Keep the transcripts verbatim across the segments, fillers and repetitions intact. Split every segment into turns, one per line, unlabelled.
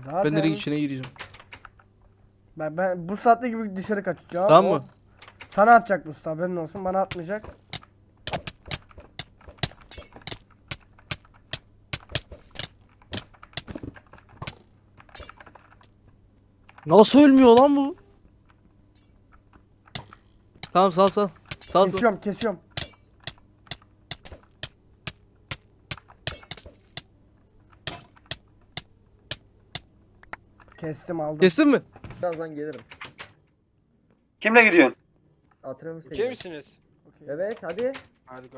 Zaten.
Ben direkt içine gireceğim.
Ben, ben bu saatte gibi dışarı kaçacağım.
Tamam
O
mı?
sana atacak bu haberin olsun. Bana atmayacak.
Nasıl ölmüyor lan bu? Tamam sal sal. Sal sal.
Kesiyorum kesiyorum. Kestim aldım.
Kestin mi?
Birazdan gelirim.
Kimle gidiyorsun?
Hatırlıyor musun?
Okey misiniz?
Okey.
Evet hadi.
Harika.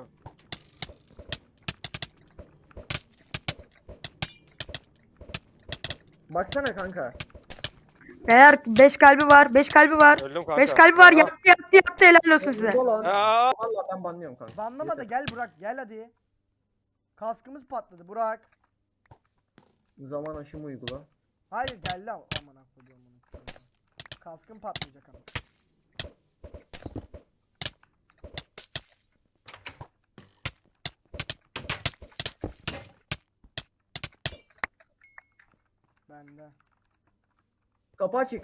Baksana kanka.
Beyler beş kalbi var. beş kalbi var.
Öldüm kanka.
beş kalbi var.
Aa.
Yattı yattı yattı helal olsun size.
Burada lan.
Aa.
Valla ben banlıyorum kanka.
Banlama da
Yeter.
gel Burak gel hadi. Kaskımız patladı Burak.
Zaman aşımı uygula.
Hayır gel lan. Aman akıllıyorum bunu. Kaskım patlayacak ama. Bende.
Kapı açık.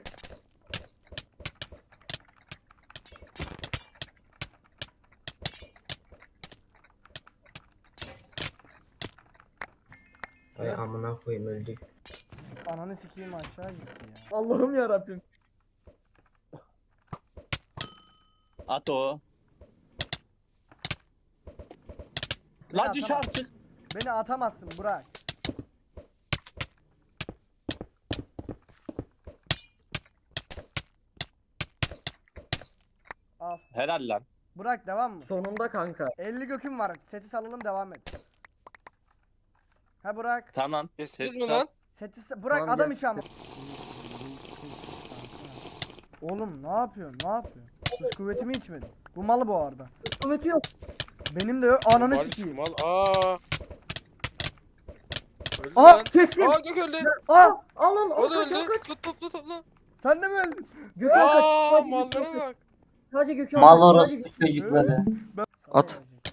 Ay amına koyayım öldük.
Ananı sikeyim aşağı gitti ya.
Allah'ım ya Rabbim.
At o.
Beni
Lan düş
atamazsın.
artık.
Beni atamazsın Burak. Al.
Helal lan.
Burak devam mı?
Sonunda kanka.
elli göküm var. Seti salalım devam et. Ha Burak.
Tamam.
Kestiniz
Ses
mi
sal.
lan?
Seti sa- Burak
Tamam,
adam
gel.
işi ama. Oğlum ne yapıyorsun? Ne yapıyorsun? Kız kuvvetimi içmedin. Bu malı bu arada.
Kuvveti yok.
Benim de yok. Ananı
Mal,
sikeyim.
Mal. Aa. Öldü
Aa,
lan.
Kestim.
Aa Gök öldü.
Aa!
Al lan.
O
Al
da
kaç al
öldü.
kaç.
Tut tut tut tut lan.
Sen de mi öldün?
Gökhan kaç.
Aa
Sadece
mallara
Gökhan kaç.
bak.
Sadece Gökhan
Mal
kaç,
orospu
sadece-
çocukları.
At.
Sana gelecek.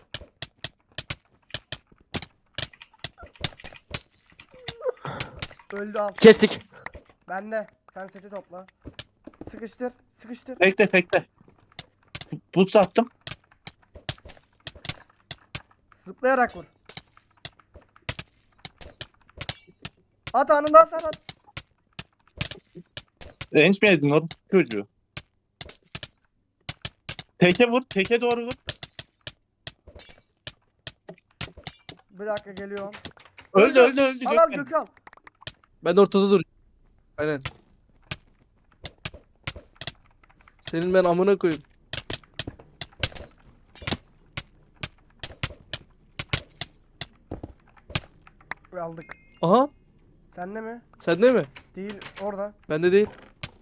Öldü al.
Kestik.
Bende. Sen seti topla. Sıkıştır. Sıkıştır.
Bekle bekle. Buz attım.
Zıplayarak vur. At anından sen at.
Range mi yedin o çocuğu? Teke vur. Teke doğru vur.
Bir dakika geliyorum.
Öldü öldü öldü.
Al al
Gökhan.
Gökhan.
Ben de ortada dur. Aynen. Senin ben amına koyayım.
Aldık.
Aha.
Sende mi?
Sende mi?
Değil orada.
Bende değil.